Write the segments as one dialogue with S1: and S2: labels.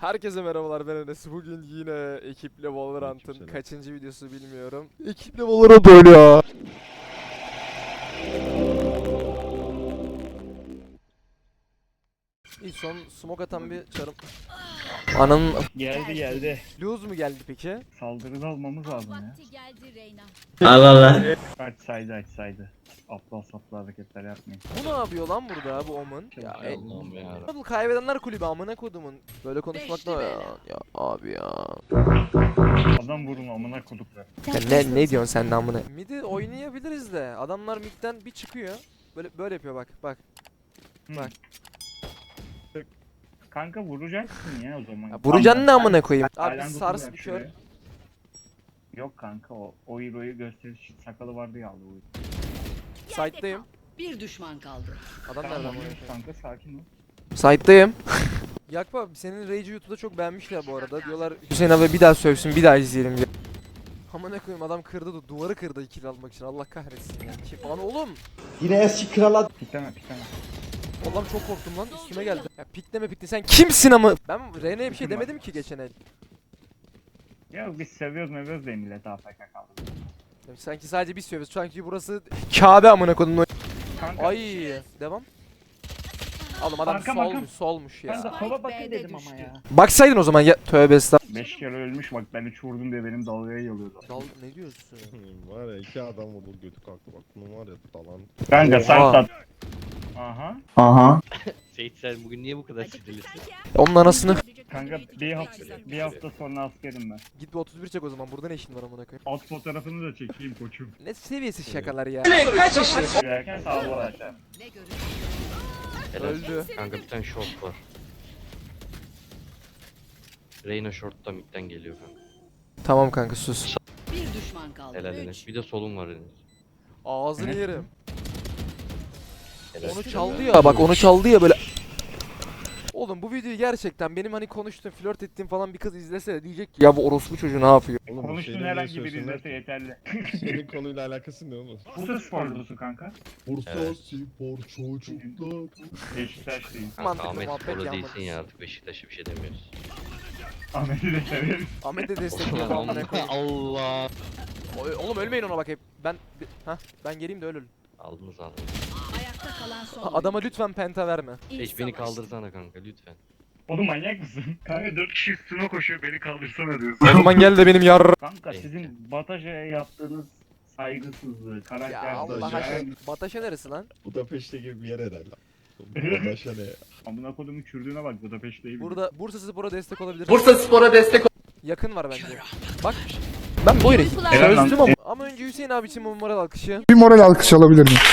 S1: Herkese merhabalar, ben Enes. Bugün yine ekiple Valorant'ın
S2: Aleykümselam.
S1: kaçıncı videosu bilmiyorum. Ekiple Valorant oynuyor. İlk son smoke atan bir çarım. Ananın
S3: Geldi.
S1: lose mu geldi peki?
S3: Saldırıda almamız lazım ya.
S4: Vakti geldi Reyna.
S5: Allah Allah.
S3: Açsaydı. Aptal saplı hareketler yapmayın.
S1: Bu ne yapıyor lan burada bu Omen? Ya,
S2: Allah'ım ya.
S1: bu kaybedenler kulübü amına kodumun. Böyle konuşmak da ya abi ya.
S3: Adam vurun amına koduklar.
S1: Ya ne diyorsun sen de amına? Mid'i oynayabiliriz de adamlar mid'den bir çıkıyor. Böyle yapıyor bak. Bak.
S3: Kanka vuracaksın ya o zaman.
S1: Ya vuracaksın ne amına koyayım? Abi
S3: Aynen
S1: sars
S3: dokunuyor
S1: bir kör.
S3: şuraya. Yok kanka o hero'yu gösteriş sakalı vardı ya aldı o.
S1: Side'dayım.
S4: Bir düşman kaldı.
S1: Adam
S3: Tamam
S1: nereden
S3: oynuyoruz
S1: vuruyor?
S3: kanka sakin ol.
S1: Side'dayım. Yakup abi senin Rage'i YouTube'da çok beğenmişler bu arada. Diyorlar Hüseyin abi bir daha sövsün, bir daha izleyelim diye. Ama ne koyayım adam kırdı da duvarı kırdı kill almak için. Allah kahretsin ya. Kim? Lan oğlum.
S5: Yine eski krala
S3: Pikleme.
S1: Oğlum çok korktum lan. Üstüme geldi. Ya pikleme pikle sen kimsin ama? Ben Rene'ye bir şey demedim ki geçen el.
S3: Ya biz seviyoruz da millet AFK kaldı.
S1: Ya sanki sadece biz sövüyoruz. Sanki burası Kabe amına koyduğum.
S3: Kanka.
S1: Ay devam. Oğlum adam
S3: Arka.
S1: solmuş ya.
S3: Kanka sola
S4: B'de
S3: bakın dedim
S4: düştü.
S3: ama ya.
S1: Baksaydın o zaman ya tövbe estağfurullah.
S3: 5 kere ölmüş bak ben 3 vurdum diye benim dalgaya yalıyordu.
S1: Dal ne diyorsun?
S2: Var ya iki adam vurdu götü kalktı bak bunun var ya dalan.
S3: Kanka sen
S1: Oha.
S3: tat. Aha.
S6: Seyit sen bugün niye bu kadar sinirlisin?
S1: Onun anasını.
S3: Kanka bir hafta sonra askerim ben.
S1: Git bir 31 çek o zaman. Burada ne işin var amına koyayım?
S3: Alt fotoğrafını da çekeyim koçum.
S1: Ne seviyesiz şakalar ya.
S3: Girerken sağa doğru açar.
S4: Ne görür?
S6: Helal.
S1: Öldü.
S6: Kanka bir tane short var. Reyna short'ta midden geliyor kanka.
S1: Tamam kanka sus.
S4: Bir düşman kaldı.
S6: Helal Enes. Bir de solun var Enes.
S1: Ağzını yerim.
S6: Helal.
S1: Onu çaldı ya bak onu çaldı ya böyle. Oğlum bu videoyu gerçekten benim hani konuştuğum, flört ettiğim falan bir kız izlese de diyecek ki ya bu orospu çocuğu ne yapıyor?
S2: Oğlum, bu
S3: Konuştuğun
S2: şeyleri
S3: herhangi
S2: niye
S3: bir
S2: söylüyorsun
S3: izlese
S2: lan?
S3: yeterli.
S2: Senin konuyla alakası ne oğlum?
S3: Bursa sporlusu kanka.
S2: Bursa
S6: Evet.
S2: spor çocuklar.
S3: Beşiktaşlıyım.
S6: Kanka
S1: Mantıklı
S6: Ahmet
S1: muhabbet
S6: Spor'da
S1: yanmadı.
S6: değilsin ya artık Beşiktaş'a bir şey demiyoruz.
S3: Ahmet'i de severim.
S1: Ahmet de destekliyor amına koyayım.
S6: Allah.
S1: Oğlum ölmeyin ona bak hep. Ben geleyim de ölün.
S6: Aldınız.
S4: Ayakta kalan son.
S1: Adama lütfen penta verme.
S6: Hiç beni kaldırsana kanka lütfen.
S3: Oğlum manyak mısın? Kanka 4 kişi üstüne koşuyor beni kaldırsana diyorsun.
S1: O zaman gel de benim yar.
S3: Kanka sizin Bataşa'ya yaptığınız saygısızlığı, karakter
S1: Ya Allah
S2: Bataşa.
S1: aşkına. Bataşa neresi lan?
S2: Budapeşte gibi bir yer herhalde. Budapeşte ne?
S3: Amına kodumun çürdüğüne bak Budapeşte'yi bil.
S1: Burada Bursa Spor'a destek olabilir.
S5: Bursa Spor'a destek ol.
S1: Yakın var bence. Bak. Ben böyle
S3: Helal lan.
S1: çözdüm ama önce Hüseyin abi için bu moral alkışı.
S7: Bir moral alkış alabilir miyim?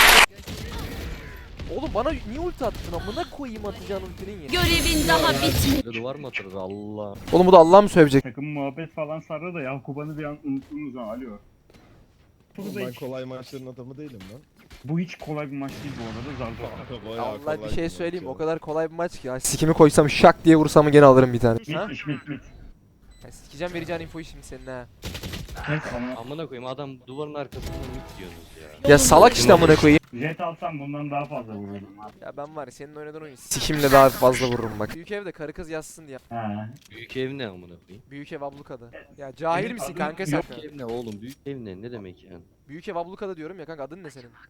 S1: Oğlum bana niye ulti attın amına koyayım atacağın ultinin ya.
S4: Görevin daha bitmedi.
S6: Böyle duvar mı atarız Allah.
S1: Oğlum bu da Allah mı sövecek?
S3: Takım muhabbet falan sardı da Yakuban'ı bir an unuttunuz ha alo.
S2: Oğlum ben kolay maçların adamı değilim lan.
S3: Bu hiç kolay bir maç değil bu arada zar zor.
S2: Kanka bayağı
S1: Allah
S2: kolay
S1: bir şey
S2: maç
S1: söyleyeyim
S2: ya.
S1: o kadar kolay bir maç ki ya. Sikimi koysam şak diye vursam gene alırım bir tane. Ha?
S3: Mit.
S1: Ya sikeceğim vereceğin infoyu şimdi senin ha.
S3: Kes ama.
S6: Amına koyayım adam duvarın arkasından mid diyorsunuz ya.
S1: Ya salak işte amına koyayım.
S3: Jet alsam bundan daha fazla vururdum abi.
S1: Ya ben var ya senin oynadığın oyun sikimle daha fazla vururum bak. Büyük evde karı kız yazsın diye.
S3: Ha.
S6: Büyük ev ne amına koyayım?
S1: Büyük ev ablukada. Ya cahil
S3: Benim
S1: misin
S3: adım
S1: kanka sen?
S6: Büyük ev ne oğlum? Büyük ev ne demek yani?
S1: Büyük ev ablukada diyorum ya kanka adın ne senin?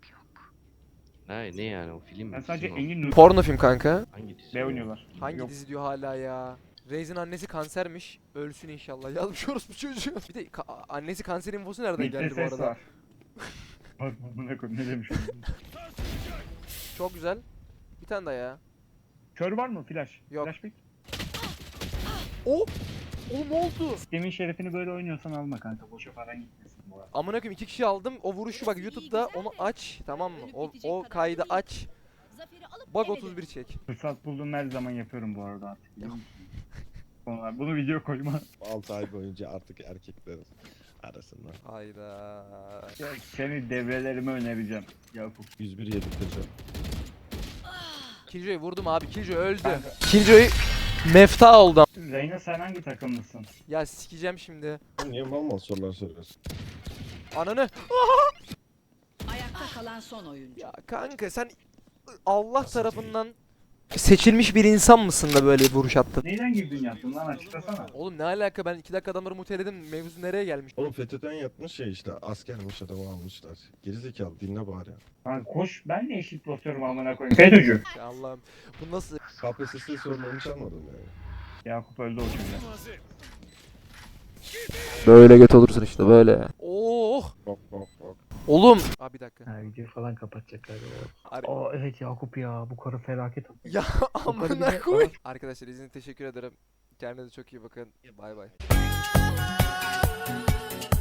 S6: Ne yani o film mi?
S3: Ben sadece
S6: Dizi mi o?
S3: Engin
S1: Porno film kanka.
S6: Hangi dizi?
S3: B oynuyorlar.
S1: Hangi
S3: Yok.
S1: dizi diyor hala ya? Reis'in annesi kansermiş. Ölsün inşallah. Yazmış orospu çocuğu. Bir de annesi kanser infosu nereden
S3: Mitte
S1: geldi bu
S3: ses
S1: arada?
S3: var. Bak amına koyayım ne demiş.
S1: Çok güzel. Bir tane daha ya.
S3: Kör var mı flash?
S1: Yok.
S3: Flash pick.
S1: Oh! Oğlum ne oldu?
S3: Sistemin şerefini böyle oynuyorsan alma kanka. Boşa paran gitmesin bu arada.
S1: Amına koyayım 2 kişi aldım. O vuruşu bak YouTube'da onu aç. Tamam mı? O kaydı aç.
S4: Zaferi alıp
S1: Bak
S4: eve
S1: 31 çek.
S3: Fırsat bulduğum her zaman yapıyorum bu arada artık. biliyor musun? Sonra bunu video koyma.
S2: 6 ay boyunca artık erkekler arasında.
S1: Hayda.
S3: Ya seni devrelerime önereceğim. Yakup.
S2: 101 yedirteceğim.
S1: Killjoy'u vurdum abi. Killjoy öldü. Killjoy mefta oldu.
S3: Reyna sen hangi takımlısın?
S1: Ya sikeceğim şimdi.
S2: Niye mal sorular soruyorsun?
S1: Ananı.
S4: Ayakta kalan son oyuncu.
S1: Ya kanka sen Allah tarafından seçilmiş bir insan mısın da böyle vuruş attın?
S3: Neyden girdin yaptın lan açıklasana.
S1: Oğlum ne alaka, ben 2 dakika adamları muteledim, mevzu nereye gelmiş?
S2: Oğlum FETÖ'den yapmış ya işte askermiş adamı almışlar. Gerizekalı dinle bari.
S3: Lan koş ben de eşit basıyorum amına koyayım. FETÖ'cü.
S1: Ya Allah'ım, bu nasıl?
S2: KPSS sorularını çalmadım yani.
S3: Yakup öldü o çocuğa.
S1: Böyle göt olursun işte böyle. Oh!
S2: Bak bak bak.
S1: Oğlum! Abi bir dakika.
S7: Ha, videoyu falan kapatacaklar.
S1: Ar-
S7: Aa evet Yakup ya bu karı felaket.
S1: ya amına koy. Arkadaşlar izin için teşekkür ederim. Kendinize çok iyi bakın. Bay bay.